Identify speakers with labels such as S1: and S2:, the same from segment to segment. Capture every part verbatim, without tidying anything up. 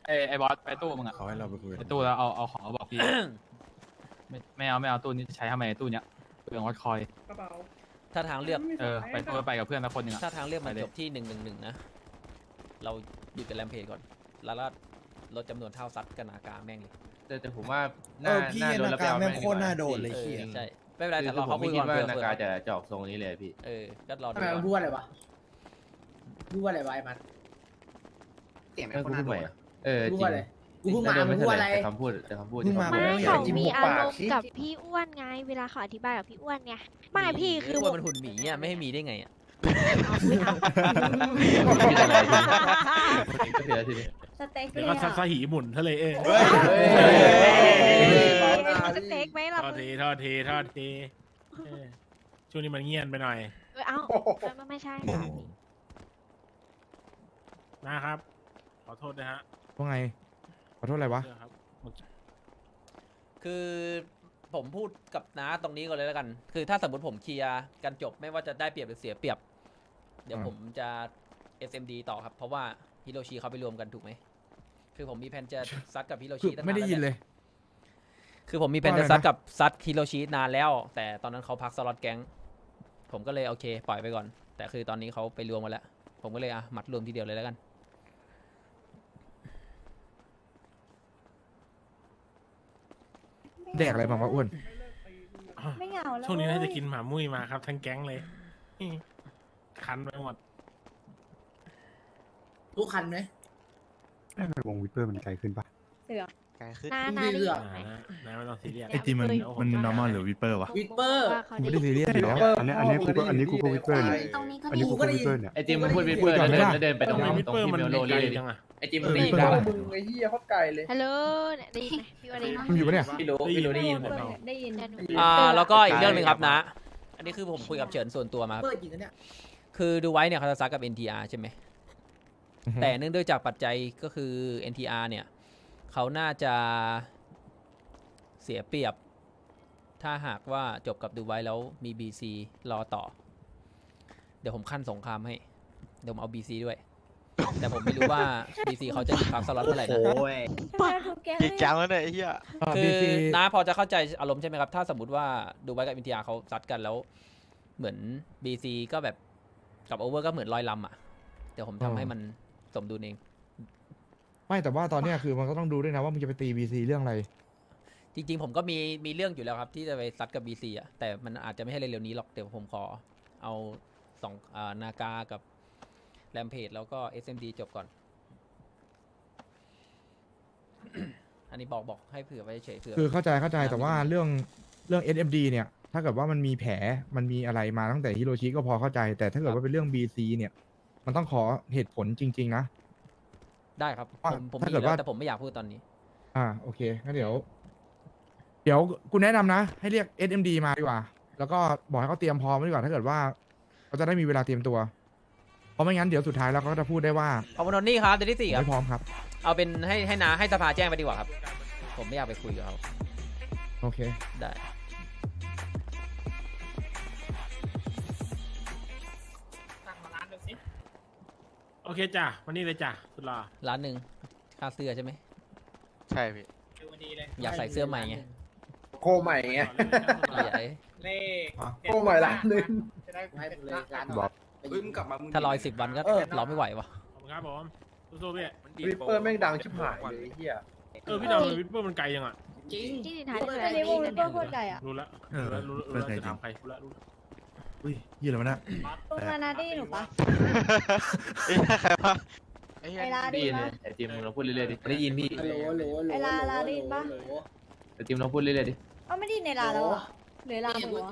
S1: ไอไอบอสไปตู้มึงอะ
S2: เขาให้เราไปคุย
S1: ไปตู้แล้วเอาเอาของมาบอกพี่ ไม่ไม่เอาไม่เอาตู้นี้ใช้ทำไมตู้เนี้ยเปลืองวัดคอย
S3: กระเป๋า
S4: ถ้าทางเลือก
S1: เออไปตู้ไปกับเพื่อนสักคนหนึ่งอะ
S4: ถ้าทางเลือกมัน
S1: ไปเลย
S4: จบที่หนึ่งหนึ่งหนึ่งนะเราหยุดกันแรมเพจก่อนแล้วก็ลดจำนวนเท่าซัดกันอากาแม่งเลย
S5: แต่แต่ผมว่า
S2: เออพี่นาการแม่งโคตรน่าโดนเลย
S4: เอ
S2: เขี้
S4: อย ใช่ไม่เป็นไร
S5: คื
S4: แต่
S5: อ
S4: รอ
S5: ผ
S4: เขา
S5: ม
S4: คุ
S5: ไม่
S4: ย
S5: คิ
S4: ก่
S5: ด
S4: อน
S5: ว่า
S4: เผื่อ
S5: นา
S4: เผื่
S5: กา
S4: อ
S5: จะจะออกทรงนี้เลยพี่
S4: เออก็รอ
S3: ทำ
S4: ดู
S3: ไมมันพูดอะไรวะพูดอะไรวะไอ้มัน
S6: เสียง
S5: เอ
S6: ไม่
S5: อ
S6: ค
S5: กู
S6: น
S5: พู
S6: น่า
S5: ด
S6: โด
S5: ใหม่
S6: น
S5: อะเออ
S3: พูด
S5: จริง
S3: อะไรกูเพิ่งมา
S5: แต่โดน
S3: มึ
S5: ไม่
S3: ง
S5: เท่า
S3: พูด
S5: ไห
S3: อะไร
S5: ร่แต่คำพูดแต่คำพูดที่
S2: เพิ่งมา
S5: เขา
S7: ไม่
S5: พูด
S7: เขามีอารมณ์กับพี่อ้วนไง เวลาเขาอธิบายกับพี่อ้วนไงไม่พี่คือ
S4: ว่ามันหุ่นหมีอ่ะไม่ให้มีได้ไงอ่ะ
S7: เอาไม่เอา
S5: คิดอะไรทีนี้ก็เสียทีนี้
S8: สเต็กเล
S9: เดี๋ย
S8: ยว
S9: ก็
S8: อะ
S9: ซาหิหมุนทะเลเอง
S5: เฮ้ย
S7: สเต็กไหมล่ะ
S9: ทอด
S7: มึง
S9: ทีทอดทีทอดทีเออช่วงนี้มันเงียบไปหน่อย
S7: เออเอาไม่ไม่ใช่ค่ะพี่
S9: นะครับ ขอโทษนะฮะ
S2: ว่าไงขอโทษอะไรวะ
S9: เรื่องครับ
S4: คือผมพูดกับน้าตรงนี้ก่อนเลยแล้วกัน คือถ้าสมมติผมเคลียร์กันจบไม่ว่าจะได้เปรียบหรือเสียเปรียบ เดี๋ยว
S2: อ่า
S4: ผมจะ เอส เอ็ม ดี ต่อครับ เพราะว่าฮิโรชิเขาไปรวมกันถูกไหม คือผมมีแผนจะซัดกับฮิโร
S2: คื
S4: ชิ
S2: อ
S4: ตั้งนาน
S2: ไม่ได้ยิน
S4: แว
S2: เลย
S4: คือผมมีแผน
S2: ว่าอะไร
S4: จะซัด
S2: นะ
S4: กับซัดฮิโรชินานแล้ว แต่ตอนนั้นเขาพักสล็อตแก๊ง ผมก็เลยโอเค ปล่อยไปก่อน แต่คือตอนนี้เขาไปรวมมาแล้ว ผมก็เลยอ่ะมัดรวมทีเดียวเลยแล้วกัน
S2: แดกอะไรมาวะอ้วน
S8: ไม่เหงาแล้ว
S9: ช่วงนี้น่าจะกินหมามุ้ยมาครับ ทั้งแก๊งเลย คันไปหมด
S3: ทุกคันไหม
S6: วงวิปเปอร์มันไกลขึ้นปะ
S8: เสือ
S6: ไกลขึ้น
S7: นานาได้ยินไหม
S9: อ่านะไม่ต้องซีเรียส
S7: ไอ้ที่มันมัน
S2: normal หรือ
S9: วิปเปอร์วะ
S3: วิปเปอร์
S7: ว่าเขา
S2: ไม่
S7: ได้
S2: ได้ซีเรียสอยู่แล้ว
S6: อันนี้อันนี้กูก็อันนี้กูก็วิปเปอร์เนี่ย
S8: ตรงนี้ก็
S6: อันนี้
S8: มี
S6: กูก็วิปเปอร์เนี่ย
S5: ไอจิมมึงพูดวิปเปอร์แล้วเดินแล้วเดินไปตรง
S9: วิป
S5: ตรง
S9: เปอร์
S5: ที่
S9: มัน
S5: เมลโล
S9: ไกล
S5: ลี่เลยดิ
S9: จังอะ
S5: ไอจิมมึงได้ยิน
S2: เออ
S5: ปะ
S3: มึงไอ้เหี้ยเขาไกลเลย
S7: ฮัลโหลเนี่ยได้ยินไหมพี่ว่าได้ยินไหม
S2: มันอยู่ปะเนี่ย
S5: พี่รู้พี่รู้ได้ยินผม
S8: ได้ยิน
S7: เดี๋ยวหนู
S4: อ่าแล้วก็อีกเรื่องหนึ่งครับนะ อันนี้คือผมคุยกับเฉินส่วนตัวมาครับ
S3: เปิดจริงนะเนี่ย
S4: คือดูไว้เนี่ยเขาจะซักกับ เอ็น ที อาร์ ใช่ไหม แต่เนื่องด้วยจากปัจจัยก็คือ เอ็น ที อาร์ เนี่ยเขาน่าจะเสียเปรียบ ถ้าหากว่าจบกับดูไว้แล้วมี บี ซี รอต่อ เดี๋ยวผมขั้นสงครามให้ เดี๋ยวผมเอา บี ซี ด้วย แต่ผมไม่รู้ว่า บี ซี เขาจะหยุดพักสล็อตเมื่อไหร่นะ
S8: ทำไมทุกแก๊ง
S6: จริงจังแล้วเนี่ยไอ้เหี้ย
S4: คื
S2: บี
S4: อ
S2: ซี
S4: น้าพอจะเข้าใจอารมณ์ใช่ไหมครับ ถ้าสมมติว่าดูไว้กับ เอ็น ที อาร์ เขาซัดกันแล้ว เหมือน บี ซี ก็แบบกับโอเวอร์ก็เหมือนลอยลำอ่ะ เดี๋ยวผมทำให้มันสมดุลเอง
S2: ไม่แต่ว่าตอนเนี้ยคือมันก็ต้องดูด้วยนะว่ามึงจะไปตีบีซีเรื่องอะไร
S4: จริงๆ ผมก็มีมีเรื่องอยู่แล้วครับ ที่จะไปซัดกับ บี ซี อ่ะ แต่มันอาจจะไม่ให้เร็วๆนี้หรอก เดี๋ยวผมขอเอาสองอ่านากากับแรมเพจแล้วก็ เอส เอ็ม ดี จบก่อน อันนี้บอกบอกให้เผื่อไว้เฉยเผื่อ
S2: คือเข้าใจเข้าใจแต่ว่าเรื่องเรื่อง เอส เอ็ม ดี เนี่ย ถ้าเกิดว่ามันมีแผลมันมีอะไรมาตั้งแต่ฮิโรชิก็พอเข้าใจ แต่ถ้าเกิดว่าเป็นเรื่อง บี ซี เนี่ย มันต้องขอเหตุผลจริง ๆ นะ
S4: ได้ครับ
S2: ว่า
S4: ผมผม
S2: ถ้า
S4: มี
S2: เกิด
S4: แล้ว
S2: ว่า
S4: แต่ผมไม่อยากพูดตอนนี้
S2: อ่าโอเคงั้นเดี๋ยว เดี๋ยวกูแนะนำนะ ให้เรียก เอส เอ็ม ดี มาดีกว่า แล้วก็บอกให้เขาเตรียมพร้อมไว้ดีกว่าถ้าเกิดว่าเขาจะได้มีเวลาเตรียมตัว เพราะไม่งั้นเดี๋ยวสุดท้ายแล้วเขาก็จะพูดได้ว่า
S4: ขอบคุณนนนี่ครับเดือนที่สี่ครับ
S2: ไม่พร้อมครับ
S4: เอาเป็นให้ให้นาให้สภาแจ้งไปดีกว่าครับ ผมไม่อยากไปคุยกับเขา
S2: โอเค
S4: ได้
S9: โอเคจ้ะวันนี้เลยจ้ะสุดหล่อ
S4: ร้านหนึ่งค่าเสื้อใช่ไหม
S6: ใช่พี่
S4: อยากใส่เสื้อใหม่ไง
S3: โคใหม่ไง
S4: ใหญ่
S3: โคใหม่ร้านหนึงให้ไปเลยร้าน
S6: บอก
S3: เฮ้ยมึงกลับมา
S4: ถ้ารออีกสิบวันก็
S3: เออ
S4: รอไม่ไหววะ
S9: ขอบคุณครับผมสู้ๆพี่
S3: วิปเปอร์แม่งดังชิบหายเลยไอ้เหี้ย
S9: เออพี่ดาววิปเปอร์มันไกลยังอ่ะ
S3: จริง
S7: ที่ดินท้ายได้
S8: อันนี้
S7: เล
S8: วย งวิปเปอร์โคตรไก่อะ
S9: รู้แล้ว
S2: เออ
S9: รู้แล้วรู้แล้วรู้แล้วจะถามใครรู้แล้วรู้แล้ว
S2: อุ้ยยี่อะไรวะเนี่ย
S8: ตรงนานาได้ยินหนูปะ
S6: ไอ้เหี้ยใครวะไอ้เหี้ย
S8: ไอลาได้
S5: ได้
S8: ยิ
S5: ยิ
S8: น
S5: น
S8: ปะ
S5: ไอจิมมึงลองพูดเรื่อยๆดิได้ยินพี่
S3: ฮัลโหลฮัลโหลฮัลโหล
S8: ไอ้ลาลาได้ยินปะ
S3: ฮัลโหล
S5: ไอจิมลองพูดเรื่อยๆดิ
S8: เอ้าไม่ได้ยินในลาแล้วอะหรือลาหมูอะ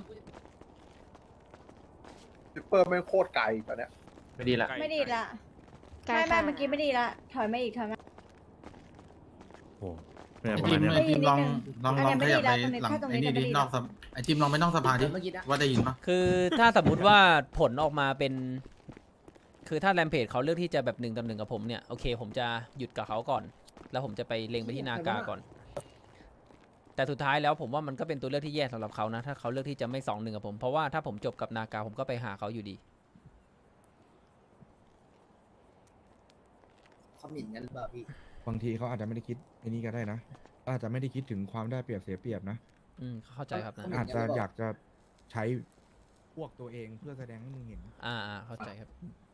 S3: วิปเปอร์แม่งโคตรไกลตอนเนี้ย
S5: ไม่ดีละ
S8: ไม่ดีละ
S7: ไกล
S8: ไม่ไม่
S7: ค่ะ
S8: เมื่อกี้ไม่ดีละถอยมาอีกถอยมา
S2: โอ้
S10: ไอจิมไอจิมลองลองลองขยับไปหลัง
S8: แค่ตรง
S10: ไอ้
S8: นี้
S10: นี่ดิ
S8: ก็ไม่ดี
S10: นอกสภาไอจิมลองไปนอกสภาดิ
S3: เมื่อกี้นะ
S10: ว่าได้ยินปะ
S4: คือถ้าสมมติว่าผลออกมาเป็น คือถ้าแรมเพจเขาเลือกที่จะแบบหนึ่งต่อหนึ่งกับผมเนี่ยโอเค ผมจะหยุดกับเขาก่อน แล้วผมจะไปเล็งไปที่นากาก่อน แต่สุดท้ายแล้วผมว่ามันก็เป็นตัวเลือกที่แย่สำหรับเขานะ ถ้าเขาเลือกที่จะไม่สองหนึ่งกับผม เพราะว่าถ้าผมจบกับนากาผมก็ไปหาเขาอยู่ดี
S3: เขาหมิ่นกันหรือเปล่าพี่
S2: บางทีเขาอาจจะไม่ได้คิดไอ้นี้ก็ได้นะอาจจะไม่ได้คิดถึงความได้เปรียบเสียเปรียบนะ
S4: อืมเข้าใจครับนะ
S2: อาจจะอยากจะใช้พวกตัวเองเพื่อแสดงให้มึงเห็น
S4: อ่าอ่าเข้าใจครับ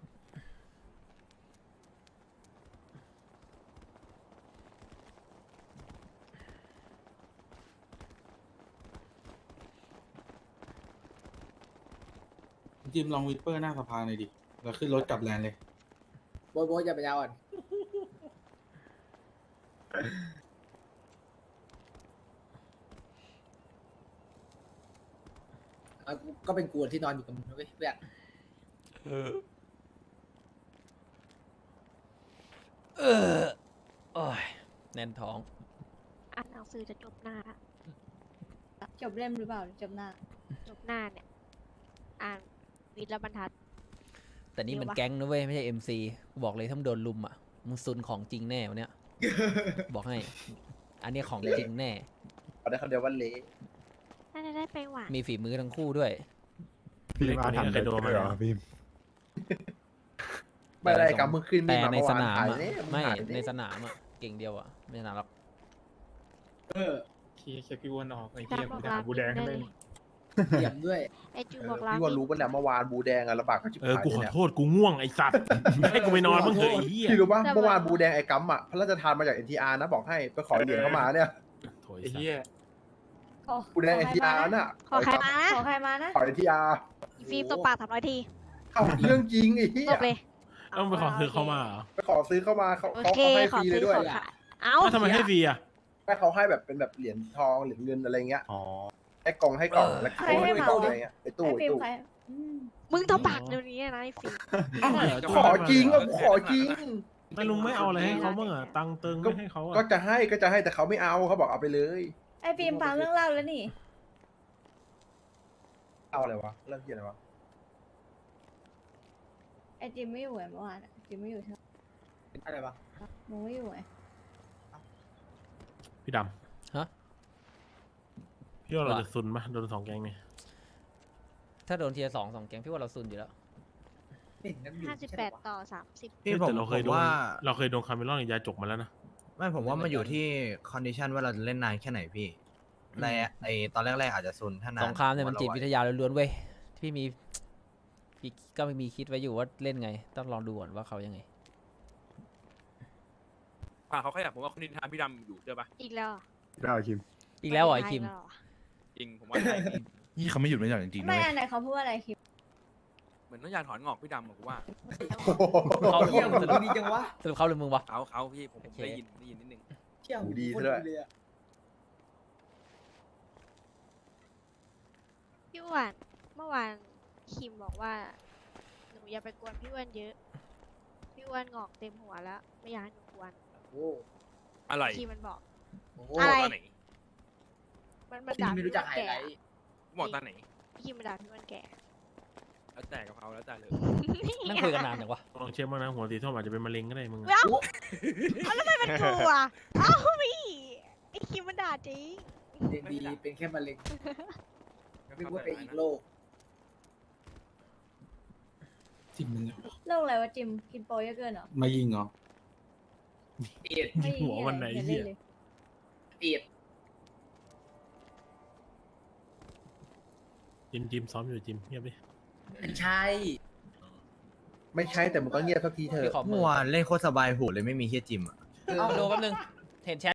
S10: จิมลองวิปเปอร์หน้าสภาหน่อยดิแล้วขึ้นรถกลับแลนด์เลย
S3: โบยโบยอย่าไปยาวอ่อนเอาก็เป็นกูที่นอนอยู่กับมึงนะเว้ยเพื่อน
S4: เออโอ้ยแน่นท้อง
S7: อ่านหนังสือจะจบหน้าละ
S8: จบเล่มหรือเปล่าจบหน้า
S7: จบหน้าเนี่ย อ่านวิทย์และบรรทัด
S4: แต่นี่มัน
S7: เดี๋ยววะ
S4: แก๊งนะเว้ยไม่ใช่เอ็มซีบอกเลยถ้ามึงโดนลุมอ่ะมึงซุนของจริงแน่วันเนี้ย บอกให้ อันเนี้ยของจริงแน่
S3: เอาได้คำเดียวว่าเละ
S7: น่าจะได้ไปหวาน
S4: มีฝีมือทั้งคู่ด้วย
S9: พี่มาทำเคยโดนมาแล้ว
S3: ไม่ได้กับมึงขึ้น
S4: แต่
S3: มา
S4: ในสนาม
S3: ถ่าย
S4: อ่ะ
S3: เนี่ยง
S4: ไม่
S3: ถ่าย
S4: ใน
S3: เนี่ย
S4: สนามอ่ะเก่งเดียวอ่ะไม่ชนะหรอก
S3: เออ
S9: ขี้เช็คพี่อ้วนออกไอ้
S7: จ้า
S9: เหี้ย
S7: บอก
S9: กู
S7: ลา
S9: ด่ากูแดง
S7: ได้
S9: เลย
S7: เลย
S3: เสียมด้วย
S7: ไอจู
S3: เออ
S7: บอกลา
S3: พี่ว่ารู้ปะเนี่ยเมื่อวานบูแดงอะระบาดก็ชิบ
S9: เออ
S3: หาย
S9: กูขอ
S3: เนี่ย
S9: โทษกูง่วงไอ้สัตว์ให้กูไปนอนบ้างเถอะไอ้เหี้ย
S3: พี่รู้ปะเมื่อวานบูแดงไอ้กัมอะพระราชทานมาจาก เอ็น ที อาร์ นะบอกให้ไปขอเหรียญเข้ามาเนี่ย
S9: โถไอ้เหี้ย
S8: ขอ
S3: บูแดง เอ็น ที อาร์ น่ะ
S7: ขอใครมานะ
S8: ขอใครมานะ
S3: ขอ เอ็น ที อาร์
S7: อีฟิล์มตบปากสามร้อยที
S3: เอ้าเรื่องจริงไอ้เหี้ย
S7: จบเลย
S9: ต้องไปขอซื้อเข้ามาเหรอ
S3: ไปขอซื้อเข้ามาเขา
S7: โอ
S3: เขา
S7: เค
S3: เขาให้
S7: ข
S3: ฟ
S7: อ
S3: รีเล
S7: ซื้
S3: ย
S7: อ
S3: ด้วย
S7: ขอขายเอ้า
S9: อ้าวทำไมให้ฟรีอ่ะ
S3: ไม่เขาให้แบบเป็นแบบเหรียญทองเหรียญเงินอะไรเงี้ย
S9: อ๋อ
S3: ให้กล่องให้กล่องแล้ว
S8: ใครให้มา
S3: ตู้
S8: วะ
S3: อะไรเงี้ยไอ้ตู้
S8: ไอ
S3: ไอ้
S8: ฟิล์ม
S3: ตู้
S8: ใครอืม
S7: มึงตบปากเดี๋ยวนี้นะไอฟิล์ม
S3: ขอจริงอ่ะกูขอจริง
S9: ไม่ลุงไม่เอาอะไรให้เขาบ้างอ่ะตังค์เติงไม่ให้เขา
S3: ก็
S9: อ่ะ
S3: จะให้ก็จะให้แต่เขาไม่เอาเขาบอกเอาไปเลย
S8: ไอฟิล์มฟังเรื่องเล่าแล้วนี่
S3: เอาอะไรวะเรื่องเกี่ยอะไรวะ
S8: ไอจิมไม่อยู่ไงเมื่อวานอะจิมไม่อยู่ใช่ไหม
S3: อะไรวะ
S8: มึงไม่อยู่ไง
S9: พี่ดำ
S4: ฮะ
S9: พี่ว่าเราจะซุนปะโดนสองแกงเนี่ย
S4: ถ้าโดนเทียร์สองสองแก๊งพี่ว่าเราซุนอยู่แล้ว
S7: ห้าสิบแปดต่อสามสิบ
S11: พี่ผม
S9: แต่เราเคย
S11: ผม
S9: โดน
S11: ว่า
S9: เราเคยโดนคาเมลอนกับยาจกมาแล้วนะ
S11: ไม่ผมว่ามันอยู่ที่คอนดิชันว่าเราจะเล่นนานแค่ไหนพี่แรกไอตอนแรกๆอาจจะซุนถ้านาน
S4: สงครามเนี่ยมันจิต
S11: ผ
S4: วิ
S11: ว่า
S4: ทยาล้วนๆเว้ยพี่มีพี่ก็มีคิดไว้อยู่ว่าเล่นไง ต้องลองดูก่อนว่าเขายังไง
S5: อ่าเขาขยับผมว่าคนนินทาพี่ดำอยู่ใช่ปะ
S7: อีกแล้ว
S3: ได้คิม
S4: อีกแล้วเหรอไอคิม
S7: กแล้วเหรอ
S5: จริงผมว่าใช่
S2: นี่เขาไม่หยุดไม่หย่อนจริงๆ
S8: ไม่
S2: เลย
S8: อันไหนเขาพูดว่าอะไรคิม
S5: เหมือนต้องอยากถอนงอกพี่ดำอะผมว่า
S4: เขาหรือ
S3: เหี้ย
S4: มึงสรุป
S3: ดีจังวะ
S4: สรุปเขาหรือมึงวะ
S5: เขาเขาพี่ผมผม
S4: โอเค
S5: ได้ยินได้ยินนิดนึง
S3: หูดีซะด้วย
S7: พี่อ้วนเมื่อวานคิมบอกว่าหนูอย่าไปกวนพี่อ้วนเยอะ พี่อ้วนงอกเต็มหัวแล้ว ไม่อยากให้หนูกวน
S3: โอ้
S5: อะไร
S7: คิมมันบอก
S3: โห
S7: อะไร
S5: ตอนไหน
S7: มันมันด่าพี่อ้วนแก่
S5: บอกตอนไหน
S7: คิมมันด่าพี่อ้วนแก่
S5: แล้วแต่กับเขาแล้วแต่เลย
S4: นั่งคุยกันนานจังวะ
S9: ลองเช็คบ้างนะหัวสีส้มอาจจะเป็นมะเร็งก็ได้มึงอะ
S7: เอ้าเอาแล้วทำไมมันกลัวเอ้าพี่ไอคิมมันด่าจริง
S3: ดีเป็นแค่มะเร็งไม่ว่าเป็นอีกโรค
S10: จิมมึง
S8: โรคอะไรวะจิมกินโปรเยอะเกินเหรอ
S10: มายิงเหรอ
S8: ไม่
S9: หัววันไหน
S8: อย่า
S9: เหี้
S8: เล่
S9: ย
S8: นเลย
S3: เอียด
S9: จิมจิมซ้อมอยู่จิมเงียบดิ
S3: ไม่ใช่ ไม่ใช่แต่มึงก็เงียบสักทีเถ
S4: พี่
S3: อะ
S4: ขอมื
S11: เมื่
S4: อ
S11: อวานเล่นโคตรสบายหูเลยไม่มีเฮียจิมอะ
S4: เอามาดูแป๊บนึงเห็นแชท